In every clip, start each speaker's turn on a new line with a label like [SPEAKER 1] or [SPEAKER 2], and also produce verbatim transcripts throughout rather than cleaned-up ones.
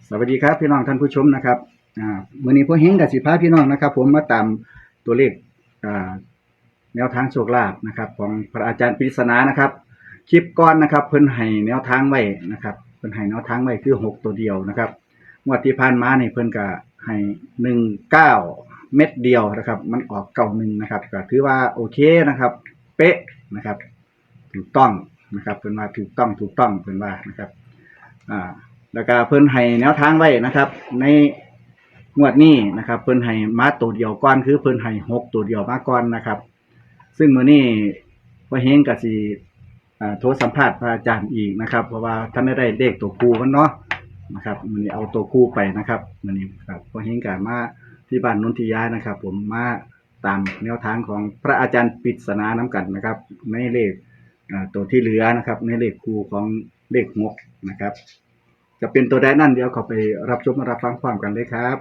[SPEAKER 1] สวัสดีครับพี่น้องท่านผู้ชมนะครับอ่ามื้อนี้พ่อเฮงกับสิพาพี่น้องนะครับผมมาตามตัวเลขอ่าแนวทางโชคลาภนะครับของพระอาจารย์ปริศนานะครับคลิปก่อนนะครับเพิ่นให้แนวทางไว้นะครับเพิ่นให้แนวทางไว้คือหกตัวเดียวนะครับงวดที่ผ่านมานี่เพิ่นก็ให้หนึ่งเก้าเม็ดเดียวนะครับมันออกเก้าหนึ่งนะครับก็ถือว่าโอเคนะครับเป๊ะนะครับถูกต้องนะครับเพิ่นว่าถูกต้องถูกต้องเพิ่นว่านะครับอ่าแล้วก็เพิ่นให้แนวทางไว้นะครับในงวดนี้นะครับเพิ่นให้มาตัวเดียวก่อนคือเพิ่นให้หกตัวเดียวมาก่อนนะครับซึ่งมื้อนี้พ่อเฮงก็สิอ่าโทรสัมภาษณ์พระอาจารย์อีกนะครับเพราะว่าท่านได้เลขตัวคู่มันเนาะนะครับมื้อนี้เอาตัวคู่ไปนะครับมื้อนี้ครับพ่อเฮงก็มาที่บ้านนนทิยานะครับผมมาตามแนวทางของพระอาจารย์ปริศนานํกันนะครับในเลขอ่าตัวที่เหลือนะครับในเลขคู่ของเลขหกนะครับจะเป็นตัวใดนั่นเดี๋ยวเขาไปรับชมรับฟังความกันเลยครับ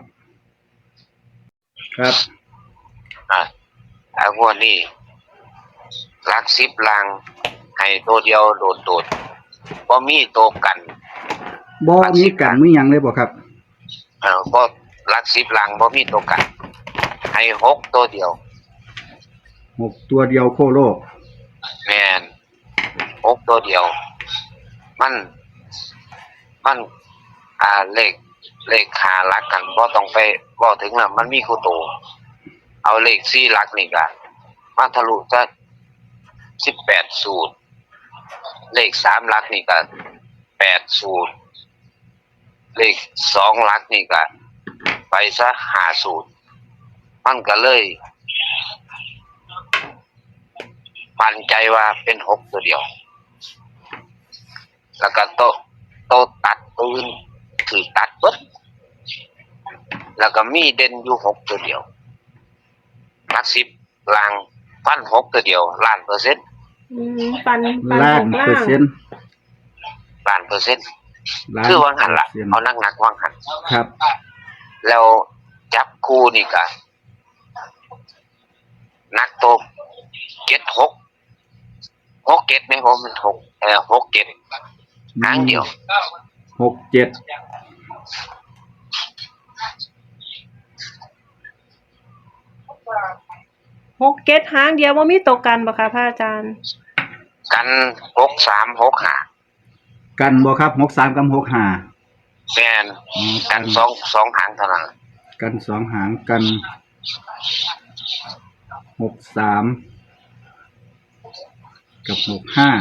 [SPEAKER 1] ครับ
[SPEAKER 2] อ่าอางวดนี้หลักสิบลางให้ตัวเดียวโดดโดดบ่มีตัวกัน
[SPEAKER 1] บ่มีกันมีหยังเลยบ่ครับ
[SPEAKER 2] เอ่อบ่หลักสิบลางบ่มีตัวกันให้หกตัวเดียว
[SPEAKER 1] หกตัวเดียวโคโล
[SPEAKER 2] แม่นหกตัวเดียวมันมันอ่าเลขเลขหาหลักกันบ่ต้องไปบ่ถึงน่ะมันมีคู่ตัวเอาเลขสี่หลักนี่ก็มาทะลุจะสิบแปดสูตรเลขสามหลักนี่ก็แปดสูตรเลขสองหลักนี่ก็ไปซะห้าสูตรมันก็เลยมั่นใจว่าเป็นหกตัวเดียวแล้วก็โตโตตัดปืนถือตัดเบิดแล้วก็มีเด่นอยู่หกตัวเดียวหลักสิบลางพันหกตัวเดียวล้านเปอร์เซ็นต์
[SPEAKER 3] อืมปันปัน
[SPEAKER 1] ล้า
[SPEAKER 3] ห
[SPEAKER 1] น
[SPEAKER 3] ก
[SPEAKER 1] เปอ
[SPEAKER 3] ล่า
[SPEAKER 1] ร์
[SPEAKER 3] ง
[SPEAKER 1] เซ็นต์
[SPEAKER 2] ล้านเปอร์เซ็นต์
[SPEAKER 1] ล้าน
[SPEAKER 2] คือวางหันละเอานักนักวางหัน
[SPEAKER 1] ครับ
[SPEAKER 2] แล้วจับคู่นี่ก็นักโตเก็ดหกหกเก็ดไหมผมมันหกเออหกเก็ดหางเดียว
[SPEAKER 1] หกเจ็ด
[SPEAKER 3] หกเก็ดหางเดียวว่ามีตกกันบ่คะพระอาจารย์
[SPEAKER 2] กันหกสามหกห้า
[SPEAKER 1] กันบ่ครับหกสามกับหกห้า
[SPEAKER 2] แม่นกันสองสองหางเท่านั้น
[SPEAKER 1] กันสองหางกันหกสามกับหกห้า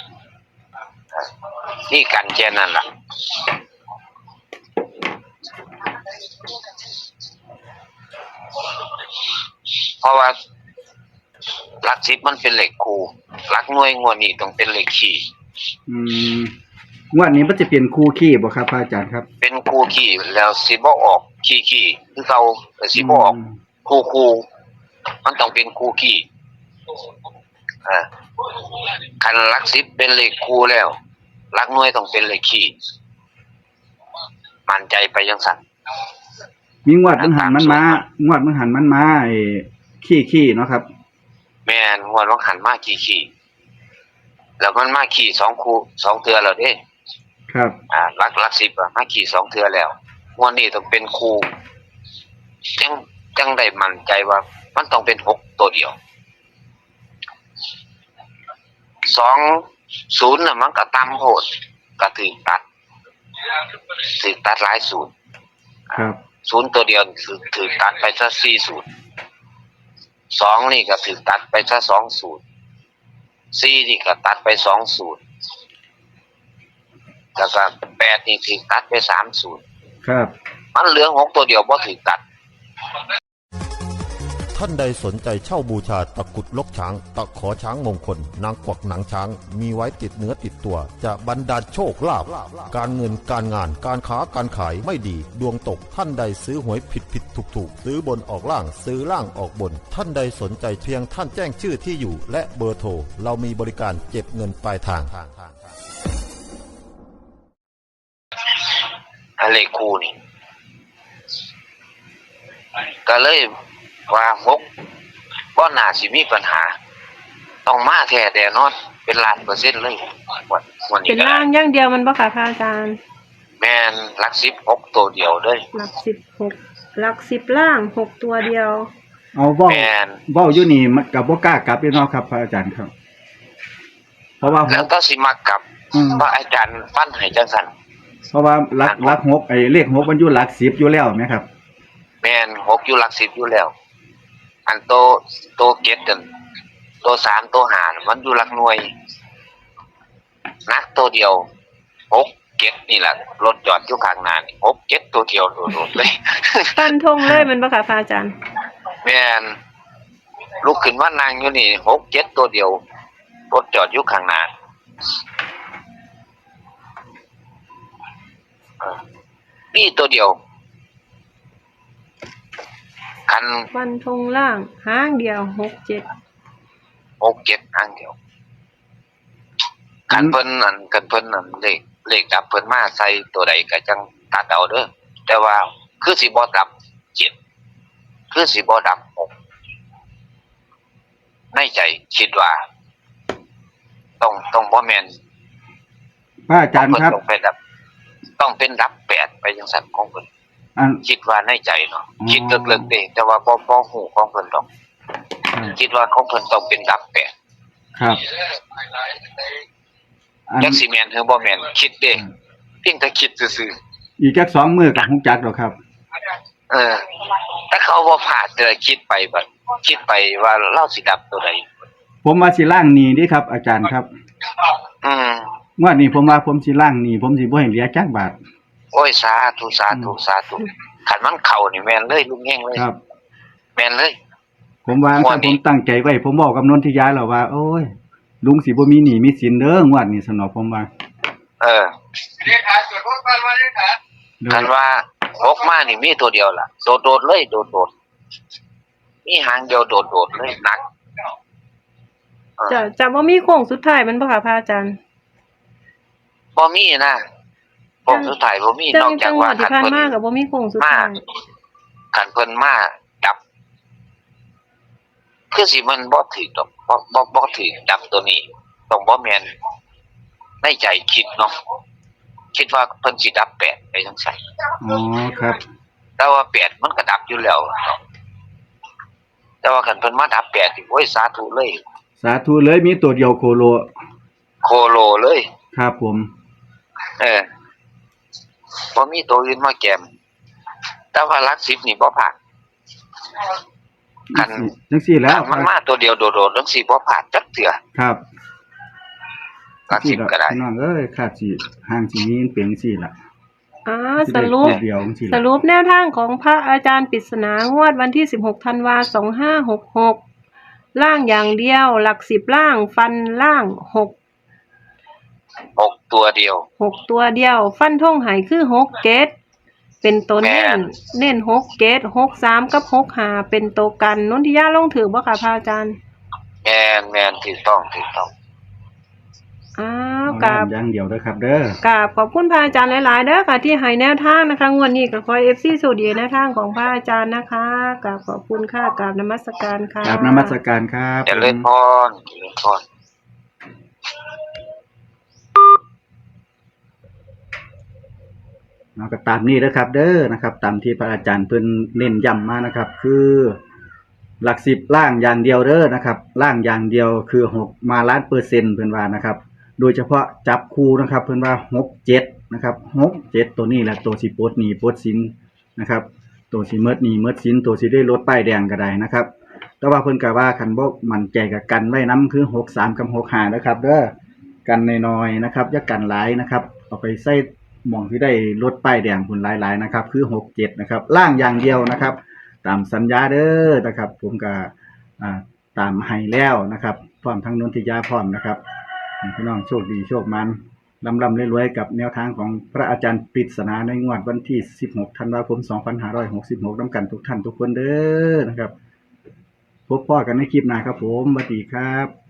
[SPEAKER 2] นี่กันแค่นั้นล่ะเพราะว่าหลักสิบมันเป็นเหล็กคูหลักหน่วยงวดนี้ต้องเป็นเหล็กขี่
[SPEAKER 1] อืมงวดนี้มันจะเปลี่ยนคู่ขี้บ่ครับอาจารย์ครับ
[SPEAKER 2] เป็นคู่ขี่แล้วสิบ่ออกขี่ขี่คือเก่าแต่สิบ่ออกคู่คู่มันต้องเป็นคู่ขี่อ่าคันหลักสิบเป็นเหล็กคูแล้วหลักหน่วยต้องเป็นเหล็กขี่มั่นใจไปจังซั่น
[SPEAKER 1] มีงวดมันหันมันมางวดมันหันมันมาไอ้ขี้ขี้เนาะครับ
[SPEAKER 2] แม่นงวดมันหันมาขี่ขี่แล้วมันมาขี่สองคู่สองเทื่อแล้วเด้
[SPEAKER 1] ครับ
[SPEAKER 2] อ่าหลักหลักสิบอ่ะมาขี่สองเทื่อแล้วงวดนี้ต้องเป็นคู่จังจังได้มั่นใจว่ามันต้องเป็นหกตัวเดียวสองศูนย์น่ะมันก็ต่ำโพดก็ถึงตัดถึงตัดหลายศูนย์
[SPEAKER 1] ครับ
[SPEAKER 2] ศูนย์ตัวเดียวถึงถึงตัดไปซะสี่ศูนย์สองนี่ก็ถึงตัดไปซะสองศูนย์สี่นี่ก็ตัดไปสองศูนย์แล้วก็แปดนี่ถึงตัดไปสามศูนย์
[SPEAKER 1] ครับ
[SPEAKER 2] มันเหลือหกตัวเดียวบ่ถึงตัด
[SPEAKER 4] ท่านใดสนใจเช่าบูชาตะกุดลกช้างตะขอช้างมงคลนางกวักหนังช้างมีไว้ติดเนื้อติดตัวจะบรรดาลโชคลาภการเงินการงานการค้าการขายไม่ดีดวงตกท่านใดซื้อหวยผิดผิดถูกถูกซื้อบนออกล่างซื้อล่างออกบนท่านใดสนใจเพียงท่านแจ้งชื่อที่อยู่และเบอร์โทรเรามีบริการเก็บเงินปลายทาง
[SPEAKER 2] อะไรคู่นี่ก็เลยว่าหกบ่น่าสิมีปัญหาต้องมาแท้แน่นอนเป็นล้านเปอร์เซ็นต์เลย
[SPEAKER 3] วันนี้เป็นล่างอย่างเดียวมันบ่ค่ะพระอาจารย์
[SPEAKER 2] แม่นหลักสิบหกตัวเดียวเด้อ
[SPEAKER 3] หลักสิบหกหลักสิบล่างหกตัวเดียว
[SPEAKER 1] เอาเว้า
[SPEAKER 2] แม่น
[SPEAKER 1] เว้าอยู่นี่มันก็บ่กล้ากลับอยู่เนาะครับพระอาจารย์ครับ เพราะว่า
[SPEAKER 2] แล้วก็สิมักกลับ
[SPEAKER 1] อืม
[SPEAKER 2] พระอาจารย์ฟันให้จังซั่น
[SPEAKER 1] เพราะว่าหลักหลักหกไอ้เลขหกมันอยู่หลักสิบอยู่แล้วไหมครับ
[SPEAKER 2] แม่นหกอยู่หลักสิบอยู่แล้ว อันโตโตเก็ดนั่นโตสามโตห้าน่ะมันอยู่หลักหน่วยนักตัวเดียวหกเก็ดนี่ล่ะรถจอดอยู่ข้างหน้านี่หกเก็ดตัวเดียวโดดๆเลย
[SPEAKER 3] ฟันธงเลยแมันบ่ค่ะพระอาจารย์
[SPEAKER 2] แม่นลุกขึ้นว่านั่งอยู่นี่หกเจ็ดตัวเดียวรถจอดอยู่ข้างหน้าเออนี่ตัวเดียว คัน
[SPEAKER 3] ฟันธงล่างหางเดียวหกเจ็ด
[SPEAKER 2] หกเจ็ดอันเดียวคันเพิ่นนั่นคันเพิ่นนั่นเลขเลขดับเพิ่นมาใส่ตัวใดก็จังตัดเอาเด้อแต่ว่าคือสิบ่ดับเจ็ดคือสิบ่ดับหกในใจคิดว่า ต้องต้องบ่แม่น
[SPEAKER 1] พระอาจารย์ครับ
[SPEAKER 2] ต้องเป็นดับ ต้องเป็นดับแปดไปจังซั่นของเพิ่น
[SPEAKER 1] อัน
[SPEAKER 2] คิดว่าในใจเนาะ
[SPEAKER 1] อ๋อ
[SPEAKER 2] คิดลึกๆเด้แต่ว่าบ่บ่ฮู้ของเพิ่นดอก
[SPEAKER 1] ครับ
[SPEAKER 2] คิดว่าของเพิ่นต้องเป็นดับแปด
[SPEAKER 1] ครับอัน
[SPEAKER 2] จักสิแม่นหรือบ่แม่นคิดเด้เพียงแต่คิดซื่อ
[SPEAKER 1] อีกแค่สองมือกับฮู้จักดอกครับ
[SPEAKER 2] ๆเออถ้าเขาบ่พลาดเลยคิดไปบัดคิดไปว่าเราสิดับตัวใด
[SPEAKER 1] ผมว่าสิล่างหนี้เดิครับ อาจารย์ครับ
[SPEAKER 2] อืม
[SPEAKER 1] งวดนี้ผมว่าผมสิล่างหนี้ผมสิบ่ให้เหลือจักบาท
[SPEAKER 2] โอ้ยสาธุสาธุสาธุคันมันเข้านี่แม่นเลยลุงแฮงเลย
[SPEAKER 1] ครับ
[SPEAKER 2] แม่นเลย
[SPEAKER 1] ผมว่า
[SPEAKER 2] งว
[SPEAKER 1] ถ้า
[SPEAKER 2] ด
[SPEAKER 1] ผ
[SPEAKER 2] นี้
[SPEAKER 1] มตั้งใจไว้ ผมบอกกับนนทิยาแล้วว่า โอ้ย ลุงสิบ่มีหนี้มีสินเด้องวดนี้สนอผมว่า
[SPEAKER 2] เออ
[SPEAKER 1] เด้อ
[SPEAKER 2] คันว่าหกมานี่มีตัวเดียวล่ะโดดๆเลยโดดๆมีหางเดียวโดดๆเลยหนักเออ
[SPEAKER 3] จะจะบ่มีโค้งสุดท้ายแมันบ่ค่ะพระอาจารย์
[SPEAKER 2] บ่มีนะผมสุดท้ายบ่มี
[SPEAKER 3] จั
[SPEAKER 2] นอก
[SPEAKER 3] ง
[SPEAKER 2] จา
[SPEAKER 3] จั
[SPEAKER 2] ก
[SPEAKER 3] งห
[SPEAKER 2] ว่า
[SPEAKER 3] วัดที่
[SPEAKER 2] คัน
[SPEAKER 3] ผ่าน
[SPEAKER 2] เพิ่น
[SPEAKER 3] มาก็บ่มีโค้งสุด
[SPEAKER 2] มา
[SPEAKER 3] ท้าย
[SPEAKER 2] คันเพิ่นมาดับ คือสิมันบ่ถูกดอกบ่บ่บ่ถูกดับตัวนี้ต้องบ่แม่นในใจคิดเนาะคิดว่าเพิ่นสิดับแปดไปจังซั่น
[SPEAKER 1] อ๋อครับ
[SPEAKER 2] แต่ว่าแปดมันก็ดับอยู่แล้วแต่ว่าคันเพิ่นมาดับแปดนี่โอ้ยสาธุเลย
[SPEAKER 1] สาธุเลยมีตัวเดียวโคโล
[SPEAKER 2] โคโลเลย
[SPEAKER 1] ครับผม
[SPEAKER 2] เออบ่มีตัวอื่นมาแกม แต่ว่าหลักสิบนี่บ่ผ่าน คัน
[SPEAKER 1] จังซี่แล้ว
[SPEAKER 2] มันมาตัวเดียวโดดๆจังซี่บ่ผ่านจักเทื่อ
[SPEAKER 1] ครับ
[SPEAKER 2] หลักสิบก็ได้
[SPEAKER 1] พี่น้องเอ้ยขาดสิห่างสิมีเปลียงซี่ล่ะ
[SPEAKER 3] อ่า
[SPEAKER 1] สิ
[SPEAKER 3] ส
[SPEAKER 1] ได้
[SPEAKER 3] รุป
[SPEAKER 1] ตัวเดียวจังซี่
[SPEAKER 3] ส
[SPEAKER 1] ล่ะ
[SPEAKER 3] รุปแนวทางของพระอาจารย์ปริศนางวดวันที่สิบหกธันวาคมสองห้าหกหกล่างอย่างเดียว หลักสิบล่างฟันล่างหก
[SPEAKER 2] หกตัวเดียว
[SPEAKER 3] หกตัวเดียว ฟันท่งหายคือหกเกตเป็นตัวเน้
[SPEAKER 2] แม่
[SPEAKER 3] น
[SPEAKER 2] น
[SPEAKER 3] เน้นหกเกตหกสามกับหกหาเป็นตัวกันนนทิยาลงถือบ่ค่ะพระอาจารย์
[SPEAKER 2] แม่นแม่นถูกต้องถูกต้อง
[SPEAKER 3] อ้าว
[SPEAKER 1] เอา
[SPEAKER 3] กราบ
[SPEAKER 1] อย่างเดียวเด้อครับเด้อก
[SPEAKER 3] ราบขอบคุณพระอาจารย์หลายๆเด้อค่ะที่ให้แนวทางนะคะงวดนี้ก็ขอ เอฟ ซี สูตรดีแนวทางของพระอาจารย์นะคะกราบขอบคุณค่ะกราบนมัสการค่ะ
[SPEAKER 1] กราบนมัสการครับ
[SPEAKER 2] เจริญพรเจริญพร
[SPEAKER 1] เนาะก็ตามนี้เด้อครับ เด้อนะครับ ตามที่พระอาจารย์เพิ่นเน้นย้ำมานะครับ คือหลักสิบล่างอย่างเดียวเด้อนะครับล่างอย่างเดียวคือหกมาล้านเปอร์เซ็นต์เพิ่นว่านะครับ โดยเฉพาะจับคู่นะครับ เพิ่นว่าหก เจ็ดนะครับหก เจ็ดตัวนี้แหละตัวสิปลดหนี้ปลดสินนะครับ ตัวสิเมิดหนี้เมิดสินตัวสิได้ลดป้ายแดงก็ได้นะครับ แต่ว่าเพิ่นก็ว่าคันบ่มั่นใจกับกันไว้นํคือหกสามกับหกห้านะครับเด้อกันน้อยๆนะครับอย่ากันหลายนะครับเอาไปใส่หม่องที่ได้ลดป้ายแดงพุ่นหลายๆนะครับ คือหก เจ็ดนะครับล่างอย่างเดียวนะครับ ตามสัญญาเด้อนะครับ ผมก็อ่าตามให้แล้วนะครับพร้อมทั้งนนทิยาพร้อมนะครับให้พี่น้องโชคดีโชคมันลำลำรวยๆกับแนวทางของพระอาจารย์ปริศนาในงวดวันที่สิบหกธันวาคมสองพันห้าร้อยหกสิบหกนำกันทุกท่านทุกคนเด้อนะครับพบพ่อกันในคลิปหน้าครับผมสวัสดีครับ